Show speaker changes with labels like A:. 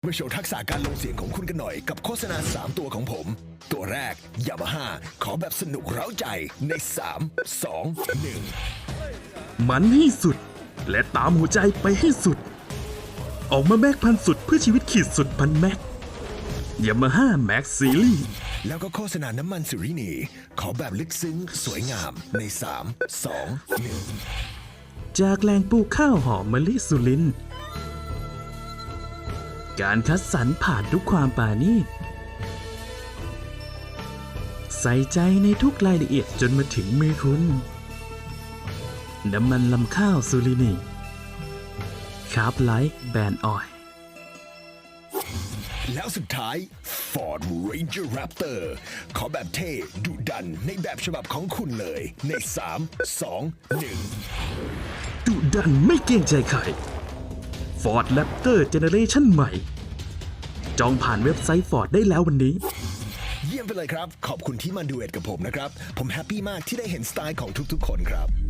A: มาโชว์ทักษะการลงเสียงของคุณกันหน่อยกับโฆษณา3ตัวของผม ตัวแรก Yamaha ขอแบบสนุกเร้าใจใน3 2 1
B: มันให้สุดและตามหัวใจไปให้สุดออกมาแม็กพันสุดเพื่อชีวิตขีดสุดพันแม็กYamaha Max Series
A: แล้วก็โฆษณาน้ำมันสุรินีขอแบบลึกซึ้งสวยงามใน3 2 1
B: จากแหล่งปลูกข้าวหอมมะลิสุรินทร์การคัดสรรผ่านทุกความปราณีตใส่ใจในทุกรายละเอียดจนมาถึงมือคุณน้ำมันลำข้าวสุรินีคาร์บไลท์แบนออยล์
A: แล้วสุดท้าย Ford Ranger Raptor ขอแบบเท่ดุดันในแบบฉบับของคุณเลยใน3 2 1
B: ดุดันไม่เกรงใจใคร Ford Raptor Generation ใหม่ จองผ่านเว็บไซต์ Ford ได้แล้ววันนี้
A: เยี่ยมไปเลยครับขอบคุณที่มาดูเอ็ดกับผมนะครับผมแฮปปี้มากที่ได้เห็นสไตล์ของทุกๆคนครับ